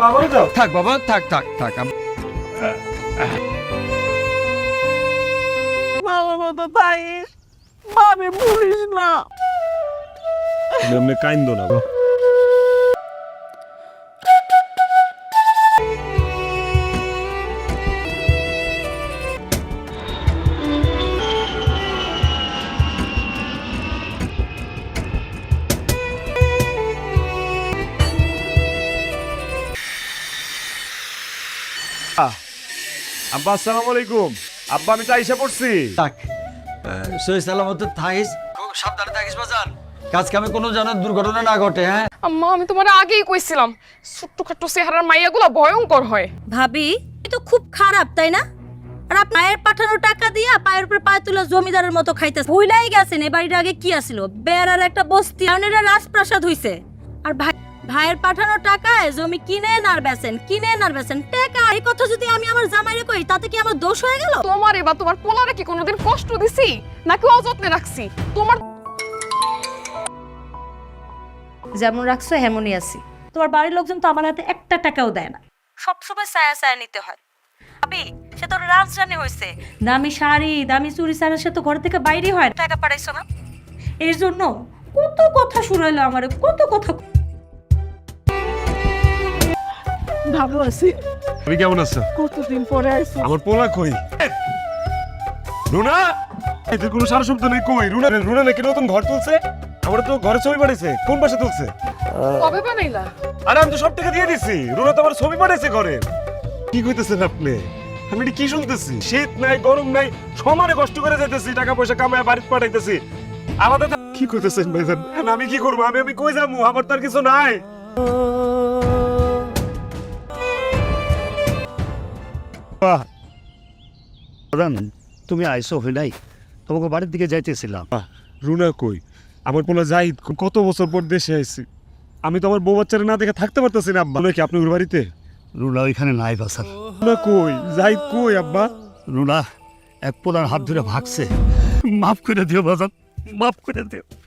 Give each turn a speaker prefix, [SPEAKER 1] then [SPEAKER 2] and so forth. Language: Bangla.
[SPEAKER 1] বাবারও যাও।
[SPEAKER 2] থাক বাবা, থাক থাক থাক।
[SPEAKER 3] ভালো মতো থাকিস, ভাবি ভুলিস না।
[SPEAKER 1] এমনি কাইন্দো না। আব্বা আসসালামু আলাইকুম। আব্বা আমি তো আইসা পড়ছি।
[SPEAKER 2] থাক, সহি সালামতে থাকিস, সাবধানে থাকিস বাজান। কাজ কামে কোনো যেন দুর্ঘটনা না ঘটে। হ্যাঁ
[SPEAKER 4] আম্মা, আমি তোমার আগেই কইছিলাম ছোট্টখাট্টো চেহারার মাইয়াগুলো ভয়ঙ্কর হয়।
[SPEAKER 5] ভাবি এ তো খুব খারাপ তাই না? আর আপনার মায়ের পাঠানো টাকা দিয়া পায়ের উপর পায়ে তুলে জমিদারের মতো খাইতেছে। ভুলাই গেছেন এ বাড়ির আগে কি আছিল? বেড়ার একটা বস্তি, এখন এটা রাজপ্রাসাদ হইছে। আর ভাইয়ের পাঠানো টাকায় জমি কিনে আর বেচেন, টাকা। এই কথা যদি আমি আমার জামাইরে কই, তাতে কি আমার দোষ হয়ে গেল?
[SPEAKER 4] তোমার এবার তোমার পোলারে কি কোনোদিন কষ্ট দিছি নাকি অযত্নে রাখছি? তোমার
[SPEAKER 5] যেমন রাখছো এমনই আছি। তোমার বাড়ির লোকজন তো আমার হাতে একটা টাকাও দেয় না, সবসময় ছায়া ছায়া নিতে হয়। ভাবি সে তো রাজরানী হয়েছে, দামি শাড়ি দামি চুড়ি ছাড়া সে তো ঘর থেকে বাইরে হয়। টাকা পাঠাইছো না, এর জন্য কত কথা শুনাইলো আমারে, কত কথা।
[SPEAKER 3] ভালো আছি।
[SPEAKER 1] তুমি কেমন আছো?
[SPEAKER 3] কতদিন পরে আইছো।
[SPEAKER 1] আমার পোলা কই? রুনা, এদের কোনো সারা শব্দ নেই। কই রুনা? রুনা নাকি নতুন ঘর তুলছে? আমার তো ঘরে ছবি পাঠাইছে। কোন পাশে তুলছে?
[SPEAKER 4] কবে বানাইলা?
[SPEAKER 1] আরে আমি তো সব টাকা দিয়ে দিছি। রুনা তো আমার ছবি পাঠাইছে ঘরে। কি কইতেছেন আপনি? আমি এটা কি শুনতেছি? শীত নাই গরম নাই, সমানে কষ্ট করে যাইতেছি, টাকা পয়সা কামায় বাড়িতে পাঠাইতেছি। আমাদের কি কইতেছেন ভাইজান? আমি কি করবো? আমি কই যাবো? আমার তো আর কিছু নাই।
[SPEAKER 6] তুমি আইসো হই নাই, তোমাকে বাড়ির দিকে যাইতেছিলাম।
[SPEAKER 1] রুনা কই? আমার পোলা জাহিদ কত বছর পর দেশে আইছি। আমি তো আমার বউ বাচ্চারা না দেখে থাকতে পারতেছি না আব্বা। রুনা কি আপনি ওর বাড়িতে?
[SPEAKER 6] রুনা ওইখানে নাই বাসার।
[SPEAKER 1] রুনা কই? জাহিদ কই আব্বা?
[SPEAKER 6] রুনা এক পোলার হাত ধরে ভাগছে। মাফ করে দিও বাজান, মাফ করে দিও।